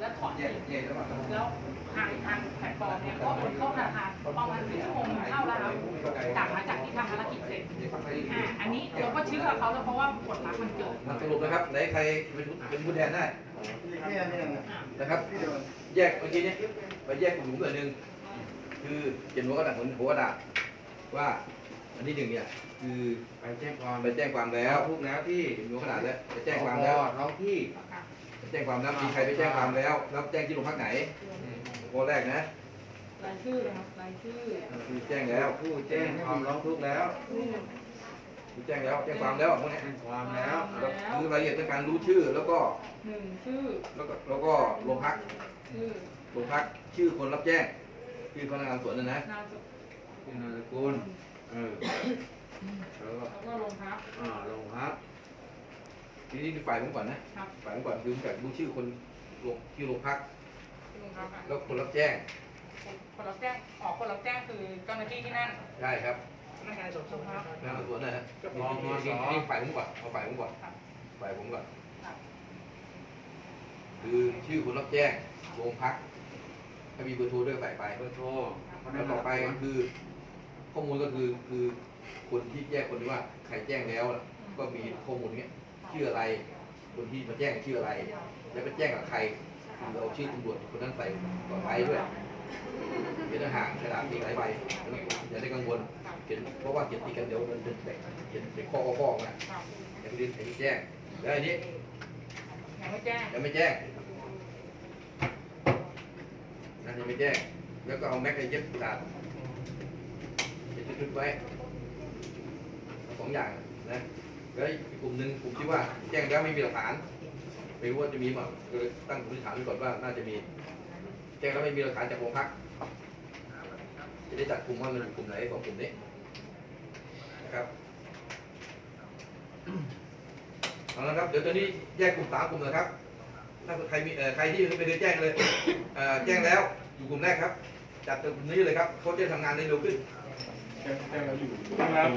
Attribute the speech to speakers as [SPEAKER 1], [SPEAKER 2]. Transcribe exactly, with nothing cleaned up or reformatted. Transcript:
[SPEAKER 1] แล้วถอนเองแล้วทางทางแพลตฟอร์มเนี่ยก็โอนเข้าธนาคารประมาณหนึ่งชั่วโมงเข้าแล้วครับจากหลังจากที่ทำภารกิจเสร็จอ่าอันนี้เราก็เชื่อเขาแล้วเพราะว่าผลลัพธ์มันเกิด
[SPEAKER 2] สรุปนะครับไหนใครเป็นเป็นผู้แทนได้นะครับแยกเมื่อกี้นี้ไปแยกกลุ่มตัวหนึ่งคือเขียนหัวกระดาษหัวหัวกระดาษว่าอันที่หนึ่งเนี่ยคือไปแจ้งความไปแจ้งความแล้วทุกแล้วที่หัวกระดาษแล้วไปแจ้งความแล้วท้องที่ไปแจ้งความแล้วมีใครไปแจ้งความแล้วแล้วแจ้งที่โรงพักไหนข้อแรกนะ
[SPEAKER 1] รายชื่อนะครับรายชื่อ
[SPEAKER 2] คือแจ้งแล้วผู้แจ้งความร้องทุกข์แล้วผู้แจ้งแล้วแจ้งความแล้วพวกนี้แจ้งความแล้วคือรายละเอียดในการรู้ชื่อแล้วก็
[SPEAKER 1] หนึ่งชื่อ
[SPEAKER 2] แล้วก็แล้วก็โรงพัก
[SPEAKER 1] ชื่อ
[SPEAKER 2] โรงพักชื่อคนรับแจ้งชื่อพนักงานสวนนะนะ
[SPEAKER 1] นาม
[SPEAKER 2] สกุลเออ
[SPEAKER 1] แล้วก็โรงพัก
[SPEAKER 2] อ่าโรงพักทีนี้คือฝ่ายผมก่อนนะฝ่ายผมก่อนคือแบบรู้ชื่อคนลงที่โรงพักแล้วคนรับแจ้ง
[SPEAKER 1] คนรับแจ้งออกคนรับแจ้งคือเจ้าหน้าที่ที่นั่น
[SPEAKER 2] ใช่ครับ
[SPEAKER 1] พนักงานสอบสวนครับ
[SPEAKER 2] พนักงานสวนนะฮะมองมองนี่ฝ่ายผมก่อนเอาฝ่ายผมก่อนฝ่ายผมก่อนคือชื่อคนรับแจ้งโรงพักถ้ามีเบอร์โทรด้วยใส่ไปเบอร์โทรแล้วต่อไปก็คือข้อมูลก็คือคือคนที่แจ้งคนที่ว่าใครแจ้งแล้วก็มีข้อมูลเนี้ยชื่ออะไรคนที่มาแจ้งชื่ออะไรแล้วไปแจ้งกับใครคือเอาชื่อตำรวจคนนั้นใส่ต่อไปด้วยเขียนห่างกระดาษตีหลายใบอย่าได้กังวลเขียนเพราะว่าเขียนตีกันเดี๋ยวมันเป็นเขียนเป็นข้อข้อไงอย่าไปเรียนไอ้แจ้งแล้วอันนี้
[SPEAKER 1] ยังไม่แจ้ง
[SPEAKER 2] ยังไม่แจ้งนั่นยังไม่แจ้งแล้วก็เอาแม็กซ์เย็บกระดาษเย็บชุดไว้สองอย่างนะแล้วอีกกลุ่มหนึ่งกลุ่มที่ว่าแจ้งแล้วไม่มีหลักฐานไม่รู้ว่าจะมีมั้งก็เลยตั้งสมมติฐานไว้ก่อนว่าน่าจะมีแจ้งแล้วไม่มีหลักฐานจากโรงพักจะได้จัดกลุ่มว่ามันกลุ่มไหนของกลุ่มนี้นะครับเอาละครับเดี๋ยวตอนนี้แยกกลุ่มสามกลุ่มนะครับถ้าใครมีใครที่ยังไม่ได้แจ้งเลยแจ้งแล้วอยู่กลุ่มแรกครับจัดกลุ่มนี้เลยครับเขาจะทำงานได้เร็วขึ้น
[SPEAKER 3] แจ้งแล้วอยู่